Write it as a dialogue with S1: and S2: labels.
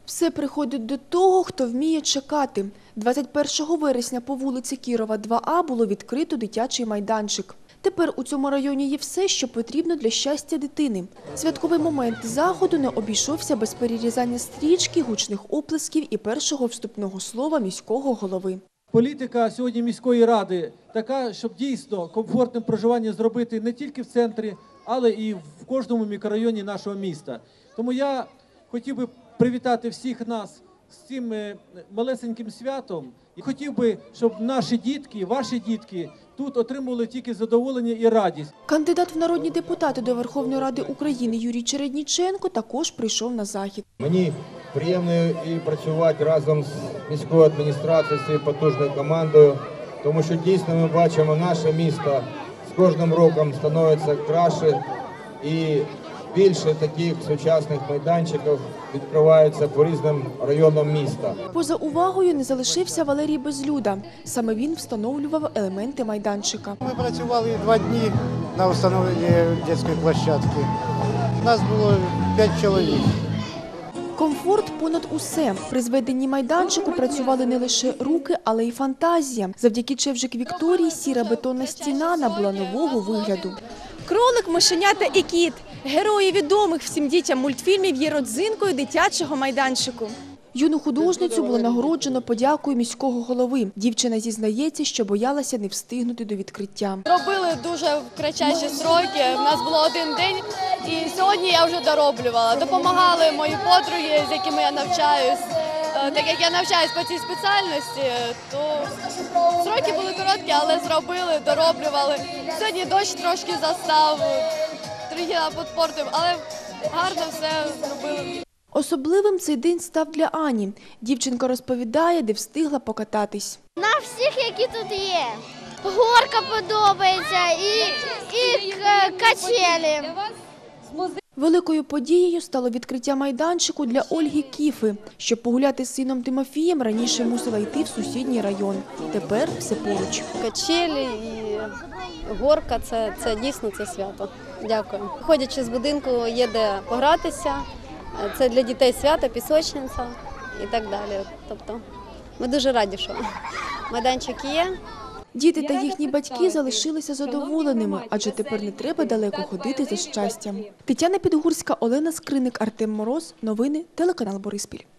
S1: Все приходить до того, хто вміє чекати. 21 вересня по вулиці Кірова, 2А було відкрито дитячий майданчик. Тепер у цьому районі є все, що потрібно для щастя дитини. Святковий момент заходу не обійшовся без перерізання стрічки, гучних оплесків і першого вступного слова міського голови.
S2: Політика сьогодні міської ради така, щоб дійсно комфортним проживання зробити не тільки в центрі, але і в кожному мікрорайоні нашого міста. Тому я хотів би привітати всіх нас з цим малесеньким святом. І хотів би, щоб наші дітки, ваші дітки тут отримували тільки задоволення і радість.
S1: Кандидат в народні депутати до Верховної Ради України Юрій Чередніченко також прийшов на захід.
S3: Мені приємно і працювати разом з міською адміністрацією, з цією потужною командою, тому що дійсно ми бачимо, наше місто з кожним роком становиться краще і більше таких сучасних майданчиків відкриваються по різним районам міста.
S1: Поза увагою не залишився Валерій Безлюда. Саме він встановлював елементи майданчика.
S4: Ми працювали 2 дні на встановленні дитячої площадки. Нас було 5 чоловік.
S1: Комфорт понад усе. При зведенні майданчику працювали не лише руки, але й фантазія. Завдяки Чевжик Вікторії сіра бетонна стіна набула нового вигляду.
S5: Кролик, мишенята і кіт – герої відомих всім дітям мультфільмів є родзинкою дитячого майданчику.
S1: Юну художницю було нагороджено подякою міського голови. Дівчина зізнається, що боялася не встигнути до відкриття.
S6: Робили дуже в кратчайші строки, в нас було 1 день, і сьогодні я вже дороблювала. Допомагали мої подруги, з якими я навчаюсь. Так як я навчаюсь по цій спеціальності, то строки були короткі, але зробили, дороблювали. Сьогодні дощ трошки застав, трохи підпортив, але гарно все зробили.
S1: Особливим цей день став для Ані. Дівчинка розповідає, де встигла покататись.
S7: На всіх, які тут є. Горка подобається і качелі.
S1: Великою подією стало відкриття майданчику для Ольги Кіфи. Щоб погуляти з сином Тимофієм, раніше мусила йти в сусідній район. Тепер все поруч.
S8: Качелі і горка – це дійсно це свято. Дякую. Ходячи з будинку, є де погратися. Це для дітей свято, пісочниця і так далі. Тобто ми дуже раді, що майданчик є.
S1: Діти та їхні батьки залишилися задоволеними, адже тепер не треба далеко ходити за щастям. Тетяна Підгурська, Олена Скриник, Артем Мороз. Новини, телеканал Бориспіль.